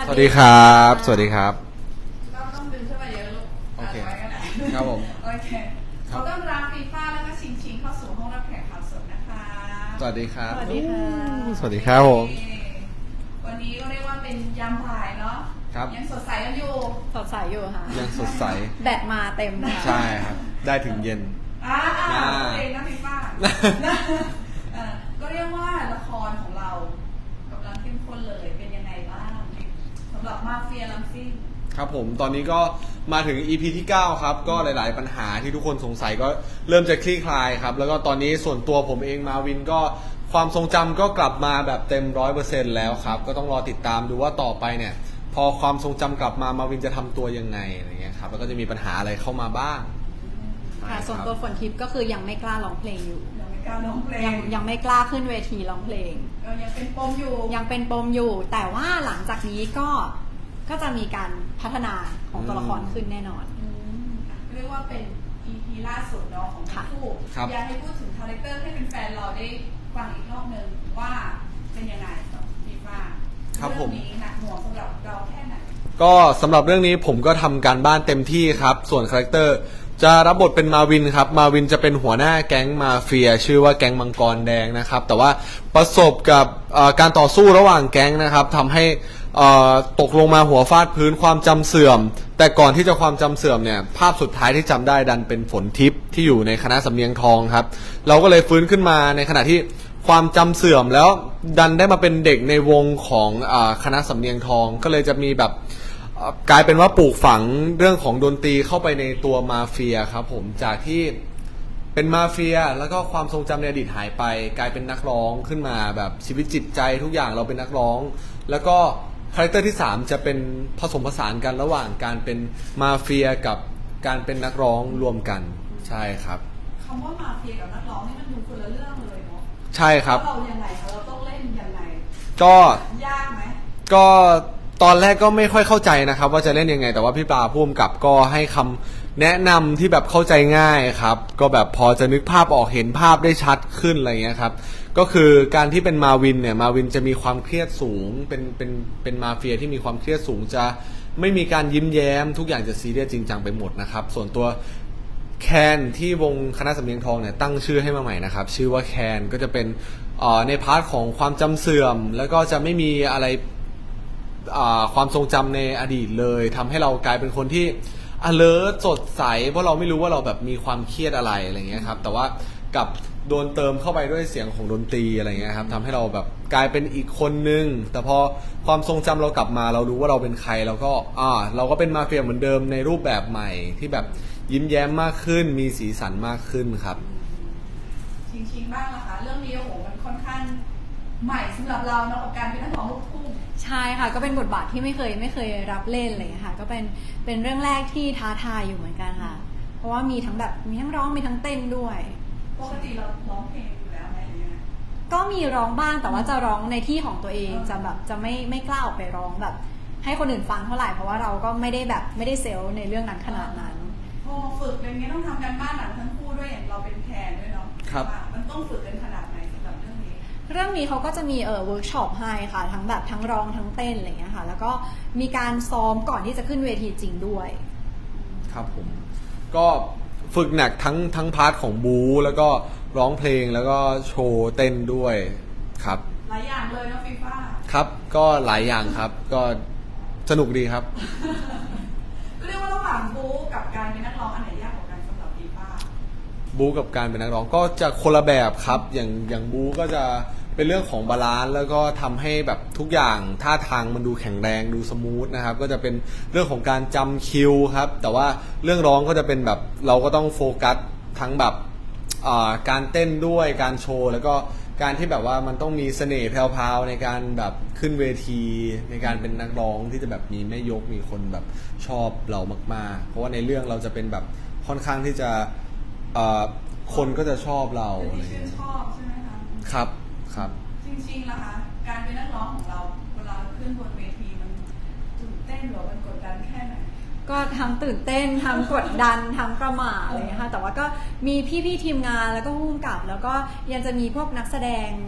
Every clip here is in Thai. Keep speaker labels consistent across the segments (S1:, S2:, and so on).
S1: สวัสดีครับสวัสดีครับ
S2: ต้องดึงขึ้นมาเยอะลูก
S1: โอเค
S2: ไว้กัน
S1: ครับผม
S2: โอเคขอต้อนรับฟีฟ่าแล้วก็ชิงเข้าสู่ห้องรับแขกข่าวสดนะคะ
S1: สวัสดีครับ
S3: สวัสดีค่ะ
S1: สวัสดีครับผม
S2: วันนี้ก็เรียกว่าเป็นยามบ่ายเนาะ
S1: ครับ
S2: ยังสดใสกันอยู่
S3: สดใสอยู่ค่ะ
S1: ยังสดใส
S3: แบตมาเต็มค่ะ
S1: ใช่ครับได้ถึงเย็น
S2: เองนะฟีฟ่าก็เรียกว่าละครของเรากำลังเข้มข้นเลยเป็นยังไงบ้างสำหรับมาเฟียลัมซิ่ง
S1: ครับผมตอนนี้ก็มาถึง EP ที่9ครับก็หลายๆปัญหาที่ทุกคนสงสัยก็เริ่มจะคลี่คลายครับแล้วก็ตอนนี้ส่วนตัวผมเองมาวินก็ความทรงจำก็กลับมาแบบเต็ม 100% แล้วครับก็ต้องรอติดตามดูว่าต่อไปเนี่ยพอความทรงจำกลับมาวินจะทำตัวยังไงอะไรเงี้ยครับแล้วก็จะมีปัญหาอะไรเข้ามาบ้าง
S3: ค่ะส่วนตัวฝนทิพย์ก็คือยังไม่กล้าร้องเพลงอยู่
S2: ยังไม่กล้าร้องเพลง
S3: ยังไม่กล้าขึ้นเวทีร้องเพลง
S2: ยังเป็นปมอยู่
S3: แต่ว่าหลังจากนี้ก็จะมีการพัฒนาของตัวละครขึ้นแน่นอน
S2: เรียกว่าเป็น EP ล่าสุดเนาะของทั้งคู่อยากให้พูดถึงคาแรคเตอร์ให้เป็นแฟนเราได้ฟังอีกรอบนึงว่าเป็นยังไงกับฟีฟ่าเรื่องนี้หนักหน่วงสำหรับเราแค่ไหน
S1: ก็สำหรับเรื่องนี้ผมก็ทำการบ้านเต็มที่ครับส่วนคาแรคเตอร์จะรับบทเป็นมาวินครับมาวินจะเป็นหัวหน้าแก๊งมาเฟียชื่อว่าแก๊งมังกรแดงนะครับแต่ว่าประสบกับการต่อสู้ระหว่างแก๊งนะครับทำให้ตกลงมาหัวฟาดพื้นความจำเสื่อมแต่ก่อนที่จะความจำเสื่อมเนี่ยภาพสุดท้ายที่จำได้ดันเป็นฝนทิพย์ที่อยู่ในคณะสำเนียงทองครับเราก็เลยฟื้นขึ้นมาในขณะที่ความจำเสื่อมแล้วดันได้มาเป็นเด็กในวงของคณะสำเนียงทองก็เลยจะมีแบบกลายเป็นว่าปลูกฝังเรื่องของดนตรีเข้าไปในตัวมาเฟียครับผมจากที่เป็นมาเฟียแล้วก็ความทรงจำในอดีตหายไปกลายเป็นนักร้องขึ้นมาแบบชีวิตจิตใจทุกอย่างเราเป็นนักร้องแล้วก็คาแรคเตอร์ที่3จะเป็นผสมผสานกันระหว่างการเป็นมาเฟียกับการเป็นนักร้องรวมกันใช่ครับ
S2: คำว่ามาเฟียกับนักร้องนี่มันดูคนละเรื่องเลยเนาะ
S1: ใช่ครับ
S2: เรายังไงเราต้องเล่นยังไง
S1: ก็
S2: ยากไหม
S1: ก็ตอนแรกก็ไม่ค่อยเข้าใจนะครับว่าจะเล่นยังไงแต่ว่าพี่ปลาผู้กำกับก็ให้คำแนะนำที่แบบเข้าใจง่ายครับก็แบบพอจะนึกภาพออกเห็นภาพได้ชัดขึ้นอะไรเงี้ยครับก็คือการที่เป็นมาวินเนี่ยมาวินจะมีความเครียดสูงเป็นมาเฟียที่มีความเครียดสูงจะไม่มีการยิ้มแย้มทุกอย่างจะซีเรียสจริงจังไปหมดนะครับส่วนตัวแคนที่วงคณะสำเนียงทองเนี่ยตั้งชื่อให้มาใหม่นะครับชื่อว่าแคนก็จะเป็นในพาร์ทของความจำเสื่อมแล้วก็จะไม่มีอะไรความทรงจำในอดีตเลยทำให้เรากลายเป็นคนที่ alert สดใสเพราะเราไม่รู้ว่าเราแบบมีความเครียดอะไรเงี้ยครับแต่ว่ากับโดนเติมเข้าไปด้วยเสียงของดนตรีอะไรเงี้ยครับทำให้เราแบบกลายเป็นอีกคนนึงแต่พอความทรงจำเรากลับมาเรารู้ว่าเราเป็นใครเราก็เป็นมาเฟียเหมือนเดิมในรูปแบบใหม่ที่แบบยิ้มแย้มมากขึ้นมีสีสันมากขึ้นครับ
S2: ชิงบ้างนะคะเรื่องนี้โอ้โหมันค่อนข้างใหม่สำหรับเราเนาะกับการเป็นนักร้องลูกทุ่ง
S3: ใช่ค่ะก็เป็นบทบาทที่ไม่เคยรับเล่นเลยค่ะก็เป็นเรื่องแรกที่ท้าทายอยู่เหมือนกันค่ะเพราะว่ามีทั้งร้องมีทั้งเต้นด้วย
S2: ปกติเราร้องเพลงอยู่แล้วไหมหรือยังไง
S3: ก็มีร้องบ้างแต่ว่าจะร้องในที่ของตัวเองจะไม่กล้าออกไปร้องแบบให้คนอื่นฟังเท่าไหร่เพราะว่าเราก็ไม่ได้เซลล์ในเรื่องนั้นขนาดนั้น
S2: พอฝึกอะไรเงี้ยต้องทำการบ้านหนักทั้งคู่ด้วยอย่างเราเป็นแคนด้วยเนาะ
S1: ครับ
S2: มันต้องฝึกกันขนาดไหนสำหรับเรื่องนี้
S3: เขาก็จะมีเวิร์กช็อปให้ค่ะทั้งร้องทั้งเต้นอะไรเงี้ยค่ะแล้วก็มีการซ้อมก่อนที่จะขึ้นเวทีจริงด้วย
S1: ครับผมก็ฝึกหนักทั้งพาร์ทของบูแล้วก็ร้องเพลงแล้วก็โชว์เต้นด้วยครับ
S2: หลายอย่างเลยนะฟีฟ่า
S1: ครับก็หลายอย่างครับก็สนุกดีครับ
S2: ก็เรียกว่าระหว่างบูกับการเป็นนักร้องอันไหนยากกว่ากันสำหรับฟีฟ่า
S1: บูกับการเป็นนักร้องก็จะคนละแบบครับอย่างบูก็จะเป็นเรื่องของบาลานซ์แล้วก็ทำให้แบบทุกอย่างท่าทางมันดูแข็งแรงดูสมูทนะครับก็จะเป็นเรื่องของการจำคิวครับแต่ว่าเรื่องร้องก็จะเป็นแบบเราก็ต้องโฟกัสทั้งแบบการเต้นด้วยการโชว์แล้วก็การที่แบบว่ามันต้องมีเสน่ห์แพรวๆในการแบบขึ้นเวทีในการเป็นนักร้องที่จะแบบมีแม่ยกมีคนแบบชอบเรามากๆเพราะว่าในเรื่องเราจะเป็นแบบค่อนข้างที่จะคนก็จะชอบเรา
S2: อะไรอย่างเงี้ยชอบใช่ไหมคะ
S1: ครับ
S2: จริงๆแล้วคะการเป็นนักร้องของเราเวลาขึ้นบนเวทีมันตื่นเต้นหรือมันกดดันแค่ไหน
S3: ก็ทั้งตื่นเต้นทั้งกดดันทั้งประหม่าอะไรอย่างเงี้ยค่ะแต่ว่าก็มีพี่ๆทีมงานแล้วก็ผู้กำกับแล้วก็ยังจะมีพวกนักแสดง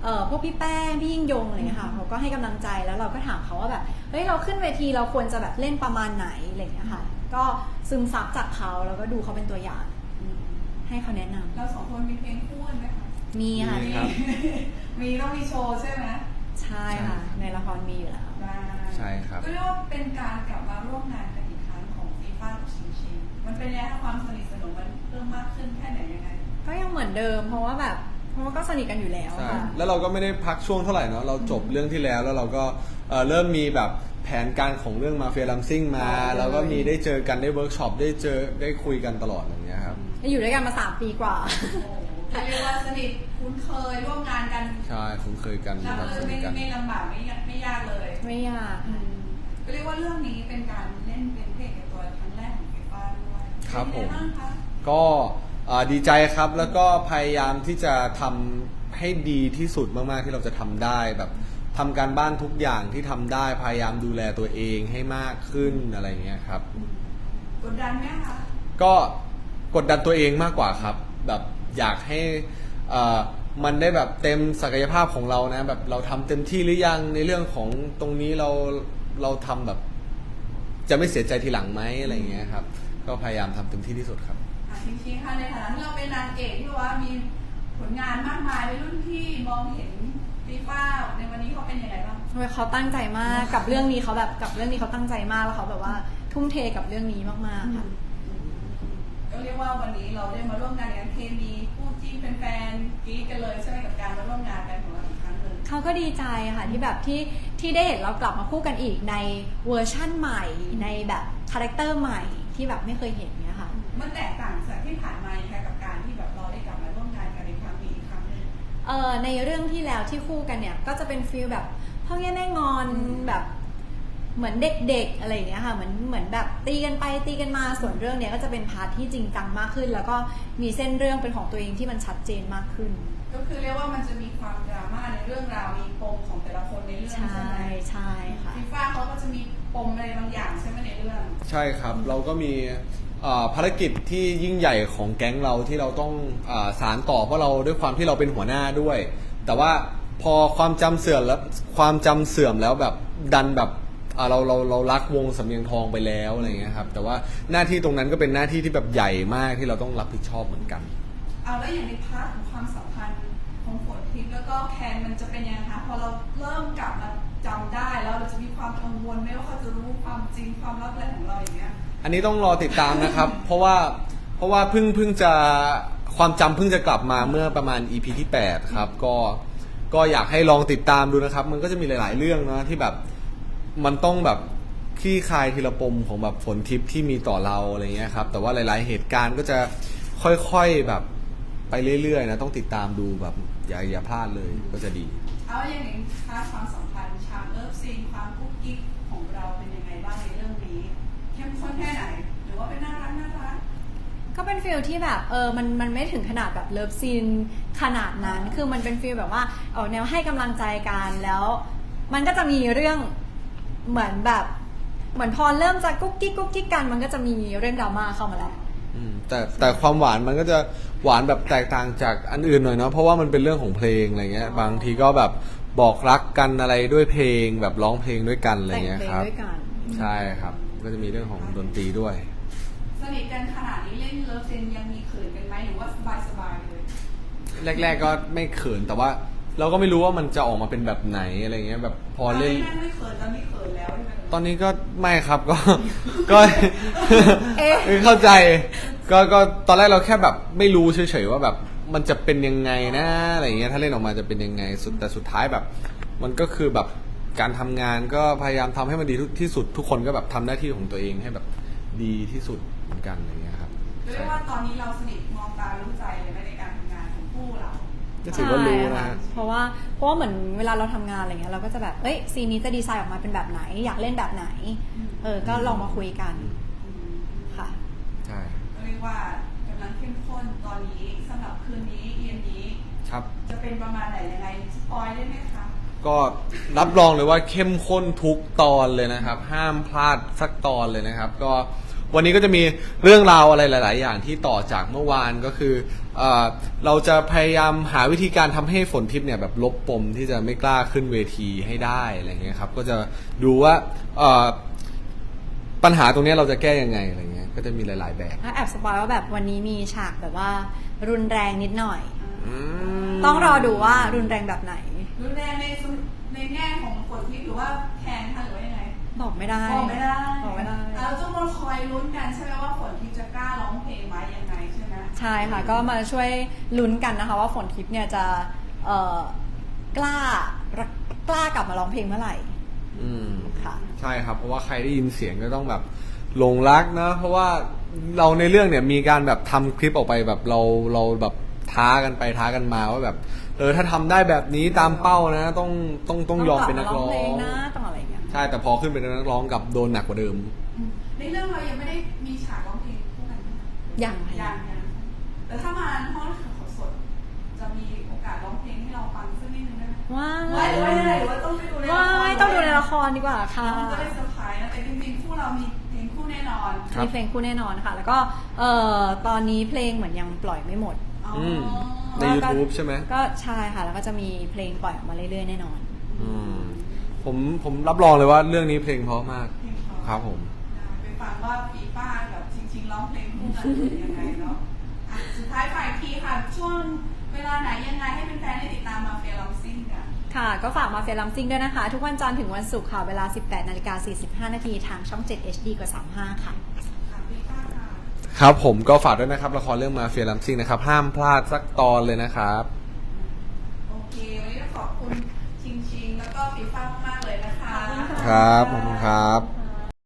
S3: พวกพี่แป้งพี่ยิ่งยงอะไรเงี้ยค่ะเขาก็ให้กำลังใจแล้วเราก็ถามเขาว่าแบบเฮ้ยเราขึ้นเวทีเราควรจะแบบเล่นประมาณไหนอะไรเงี้ยค่ะก็ซึมซับจากเขาแล้วก็ดูเขาเป็นตัวอย่างให้เขาแนะนำ
S2: เราสองคนมีเพลงคู่กันไหมคะ
S3: มีค่ะ
S2: มีต้องมีโชว์ใช่ไหม
S3: ใช่ค่ะในละครมีอยู่แล้ว
S1: ใช่ครับ
S2: ก็เรียกว่าเป็นการกลับมาร่วมงานกันอีกครั้งของฟีฟ่ากับชิงมันเป็นยังไงความสนิทสนมมันเพิ่มมากขึ้นแค่ไหนยังไง
S3: ก็ยังเหมือนเดิมเพราะว่าก็สนิทกันอยู่แล้วค่ะ
S1: แล้วเราก็ไม่ได้พักช่วงเท่าไหร่เนาะเราจบเรื่องที่แล้วเราก็เริ่มมีแบบแผนการของเรื่องมาเฟียลัมซิ่งมาแล้วก็มีได้เจอกันได้เวิร์กช็อปได้คุยกันตลอดอย่างเงี้ยครับ
S3: อยู่ด้วยกันมา3 ปีกว่า
S2: เรียกว่าสนิทคุ้นเคยร่วมงานกัน
S1: ใช่คุ้นเคยกัน
S2: รับเลยไม่ลำบากไม่ยากเลย
S3: ไม่ยาก
S2: ก็เรียกว่าเรื่องนี้เป็นการเล่นเป็นเพลงในตัวครั้งแรกของฟีฟ่าด้วย
S1: ครับผมก็ดีใจครับแล้วก็พยายามที่จะทำให้ดีที่สุดมากๆที่เราจะทำได้แบบทำการบ้านทุกอย่างที่ทำได้พยายามดูแลตัวเองให้มากขึ้นอะไรเงี้ยครับ
S2: กดดันไหมคะ
S1: ก็กดดันตัวเองมากกว่าครับแบบอยากให้มันได้แบบเต็มศักยภาพของเรานะแบบเราทำเต็มที่หรือยังในเรื่องของตรงนี้เราทำแบบจะไม่เสียใจทีหลังไหมอะไรเงี้ยครับก็พยายามทำเต็มที่ที่สุดครับ
S2: ชิงๆค่ะในฐานะที่เราเป็นนางเอกที่ว่ามีผลงานมากมายในรุ่นพี่มองเห็นฟีฟ่าในวันนี้เขาเป็นยังไงบ้าง
S3: เขาตั้งใจมากกับเรื่องนี้เขาแบบกับเรื่องนี้เขาตั้งใจมากแล้วเขาแบบว่าทุ่มเทกับเรื่องนี้มากๆค่ะ
S2: ก็เรียกว่าวันนี้เราได้มาร่วมงานกันเคมีคู่จิ้นเป็นแฟนกรี๊ดกันเลยใช่ไหมกับการมาร่วมงานกันของเราอีกครั้งหนึ่ง
S3: เขาก็ดีใจค่ะที่แบบที่ได้เห็นเรากลับมาคู่กันอีกในเวอร์ชั่นใหม่ในแบบคาแรคเตอร์ใหม่ที่แบบไม่เคยเห็นเนี่ยค่ะ
S2: มันแตกต่างจากที่ผ่านมาค่ะกับการที่แบบเราได้กลับมาร่วมงานกันในครั้งนี้อีกครั้งนึง
S3: ในเรื่องที่แล้วที่คู่กันเนี่ยก็จะเป็นฟีลแบบพ่อแง่แม่งอนแบบเหมือนเด็กๆอะไรอย่างเงี้ยค่ะเหมือนแบบตีกันไปตีกันมาส่วนเรื่องเนี้ยก็จะเป็นพาร์ทที่จริงจังมากขึ้นแล้วก็มีเส้นเรื่องเป็นของตัวเองที่มันชัดเจนมากขึ้น
S2: ก็คือเรียกว่ามันจะมีความดราม่าในเรื่องราวมีปมของแต่ละคนในเรื่องใช่ไหม
S3: ใช่ค่ะ
S2: ฟีฟ่าเขาก็จะมีปมอะไรบางอย่างใช่ไหมในเรื่อง
S1: ใช่ครับเราก็มีภารกิจที่ยิ่งใหญ่ของแก๊งเราที่เราต้องสารต่อเพราะเราด้วยความที่เราเป็นหัวหน้าด้วยแต่ว่าพอความจำเสื่อมแล้วแบบดันแบบเรารักวงสำเนียงทองไปแล้วอะไรเงี้ยครับแต่ว่าหน้าที่ตรงนั้นก็เป็นหน้าที่ที่แบบใหญ่มากที่เราต้องรับผิดชอบเหมือนกัน
S2: เอาแล้วอย่างในพาร์ทของความสัมพันธ์ของฝนทิพย์แล้วก็แคนมันจะเป็นยังไงคะพอเราเริ่มกลับมาจำได้แล้วเราจะมีความกังวลไหมว่าเขาจะรู้ความจริงความลับอะไรของเราอย่างเงี้ย
S1: อันนี้ต้องรอติดตามนะครับ เพราะว่าเพิ่งจะความจำเพิ่งจะกลับมาเมื่อประมาณ EP ที่8ครับก็อยากให้ลองติดตามดูนะครับมันก็จะมีหลายๆเรื่องนะที่แบบมันต้องแบบคลี่คลายทีละปมของแบบฝนทิพย์ที่มีต่อเราอะไรเงี้ยครับแต่ว่าหลายๆเหตุการณ์ก็จะค่อยๆแบบไปเรื่อยๆนะต้องติดตามดูแบบอย่าพลาดเลยก็จะดี
S2: เอาอย่างนี้ค่าความสัมพันธ์ชามเลิฟซีนความกุ๊กกิ๊กของเราเป็นยังไงบ้างในเรื่องนี้เข้มข้นแค่ไหนหรือว่าเป็นน่ารัก
S3: ก็เป็นฟีลที่แบบมันไม่ถึงขนาดแบบเลิฟซีนขนาดนั้นคือมันเป็นฟีลแบบว่าออกแนวให้กำลังใจกันแล้วมันก็จะมีเรื่องเหมือนพอเริ่มจะกุ๊กกิ๊กกันมันก็จะมีเรื่องดราม่าเข้ามาแล้ว
S1: แต่ความหวานมันก็จะหวานแบบแตกต่างจากอันอื่นหน่อยเนาะเพราะว่ามันเป็นเรื่องของเพลงอะไรเงี้ยบางทีก็แบบบอกรักกันอะไรด้วยเพลงแบบร้องเพลงด้วยกันอะไรเงี้ยครับใช่ครับก็จะมีเรื่องของดนตรีด้วย
S2: สนิทกันขนาดนี้เล่นเลิฟซีนยังมีเขินกันไหมหรือว่าสบายเลย
S1: แรกๆก็ไม่เขินแต่ว่าเราก็ไม่รู้ว่ามันจะออกมาเป็นแบบไหนอะไรเงี้ยแบบพอเล่น
S2: ไม่เขินตอนนี้เขินแล้ว
S1: ตอนนี้ก็ไม่ครับก็เข้าใจก็ตอนแรกเราแค่แบบไม่รู้เฉยๆว่าแบบมันจะเป็นยังไงนะอะไรเงี้ยถ้าเล่นออกมาจะเป็นยังไงแต่สุดท้ายแบบมันก็คือแบบการทำงานก็พยายามทำให้มันดีที่สุดทุกคนก็แบบทำหน้าที่ของตัวเองให้แบบดีที่สุดเหมือนกันอะไรเงี้ยครับ
S2: เรียกว่าตอนนี้เราสนิทมองตารู้ใจเลยในการทำงานของคู่เรา
S1: ก็ถือว่ารู้นะ
S3: เพราะว่าเหมือนเวลาเราทำงานอะไรเงี้ยเราก็จะแบบซีนนี้จะดีไซน์ออกมาเป็นแบบไหนอยากเล่นแบบไหนก็ลองมาคุยกันค่ะ
S1: ใช่
S2: เรียกว่ากำลังเข้มข้นตอนนี้สำหรับคืนนี้เย็นนี้
S1: ครับ
S2: จะเป็นประมาณไหนยังไงสปอยได้ไหมคะ
S1: ก็รับรองเลยว่าเข้มข้นทุกตอนเลยนะครับห้ามพลาดสักตอนเลยนะครับก็วันนี้ก็จะมีเรื่องราวอะไรหลาย ๆ อย่างที่ต่อจากเมื่อวานก็คือเราจะพยายามหาวิธีการทำให้ฝนทิพย์เนี่ยแบบลบปมที่จะไม่กล้าขึ้นเวทีให้ได้อะไรเงี้ยครับก็จะดูว่าปัญหาตรงนี้เราจะแก้ยังไงอะไรเงี้ยก็จะมีหลาย ๆ แบบ
S3: ถ้าแอบสปอยว่าแบบวันนี้มีฉากแบบว่ารุนแรงนิดหน่อยต้องรอดูว่ารุนแรงแบบไหน
S2: รุนแรงในแง่ของฝนทิพย์หรือว่าแทนค่ะหรือว่ายังไง
S3: บอกไม่ได้
S2: บอกไม่ได้เราจะมาคอยลุ้นกันใช่ไหมว่าฝนทิพย์จะกล้าร้องเพลงไหมยังไงใช่ไหม
S3: ใช่ค่ะก็มาช่วยลุ้นกันนะคะว่าฝนทิพย์เนี่ยจะกล้ากลับมาร้องเพลงเมื่อไหร่ค่ะ
S1: ใช่ครับเพราะว่าใครได้ยินเสียงก็ต้องแบบหลงรักนะเพราะว่าเราในเรื่องเนี่ยมีการแบบทำคลิปออกไปแบบเราแบบท้ากันไปท้ากันมาว่าแบบถ้าทำได้แบบนี้ตามเป้านะต้องยอมเป็นนักร้อง
S3: นะต้องอะไรอย่างเงี้ย
S1: ใช่แต่พอขึ้นเป็นนักร้องกับโดนหนักกว่าเดิม
S2: ในเรื่องเรายังไม่ได้มีฉากร้องเพลงคู่กัน
S3: ยัง
S2: แต่ถ้ามาห้องสดจะมีโอกาสร้องเพลงให้เราฟังสักนิดนึงได้ไหม
S3: ว้าย
S2: หรือว่าต้องไปดูในละคร
S3: ต้องดูในละครดีกว่าค่ะ
S2: จะได้เซอร์ไพรส์นะแต่จริงๆคู่เรามีเพลงคู่แน่นอน
S3: มีเพลงคู่แน่นอนค่ะแล้วก็ตอนนี้เพลงเหมือนยังปล่อยไม่หมด
S1: ใน YouTube ใช่ไหม
S3: ก็ใช่ค่ะแล้วก็จะมีเพลงปล่อยออกมาเรื่อยๆแน่นอน
S1: ผมรับรองเลยว่าเรื่องนี้เพลงเพราะมากครับผม
S2: ไปฟังว่าฟีฟ้ากับชิงร้องเพลงคู่กันเป็นยังไงเนาะสุดท้ายฝ่ายทีค่ะช่วงเวลาไหนยังไงให้เป็นแฟนได้ติดตามมาเฟียลัมซิ่งกัน
S3: ค่ะก็ฝากมาเฟียลัมซิ่งด้วยนะคะทุกวันจันทร์ถึงวันศุกร์ค่ะเวลา 18:45 น.ทางช่อง 7 HD กว่า35ค่ะ
S1: ครับผมก็ฝากด้วยนะครับละครเรื่องมาเฟียลัมซิ่งนะครับห้ามพลาดสักตอนเลยนะครับ
S2: โอเควันนี้ขอบคุณชิงแล้วก็ฟีฟ้ามากเลยนะคะ
S1: ครับขอบคุณครับ